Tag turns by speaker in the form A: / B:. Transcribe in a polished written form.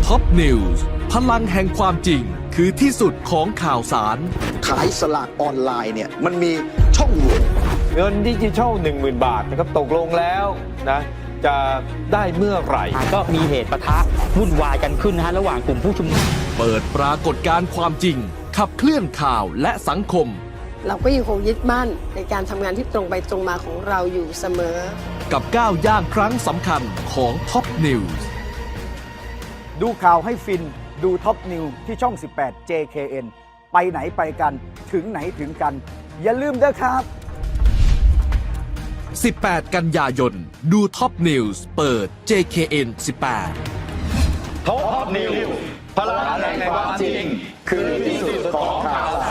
A: ท็อปนิวส์พลังแห่งความจริงคือที่สุดของข่าวสาร
B: ขายสลากออนไลน์เนี่ยมันมีช่องโหว่
C: เงินดิจิทัล 10,000 บาทนะครับตกลงแล้วนะจะได้เมื่อไหร่
D: ก็มีเหตุปะทะวุ่นวายกันขึ้นนะฮะระหว่างกลุ่มผู้ชุมนุม
A: เปิดปรากฏการณ์ความจริง ขับเคลื่อนข่าวและสังคม
E: เราก็ยังคงยึดมั่นในการทำงานที่ตรงไปตรงมาของเราอยู่เสมอ
A: กับก้าวย่างครั้งสำคัญของท็อปนิวส์
F: ดูข่าวให้ฟินดูท็อปนิวที่ช่อง 18 JKN ไปไหนไปกันถึงไหนถึงกัน อย่าลืมเด้อครับ
A: 18 กันยายน ดูท็อปนิวส์เปิด JKN 18
C: ท็อปนิวพลังแห่งความจริงคือที่สุดของข่าวสาร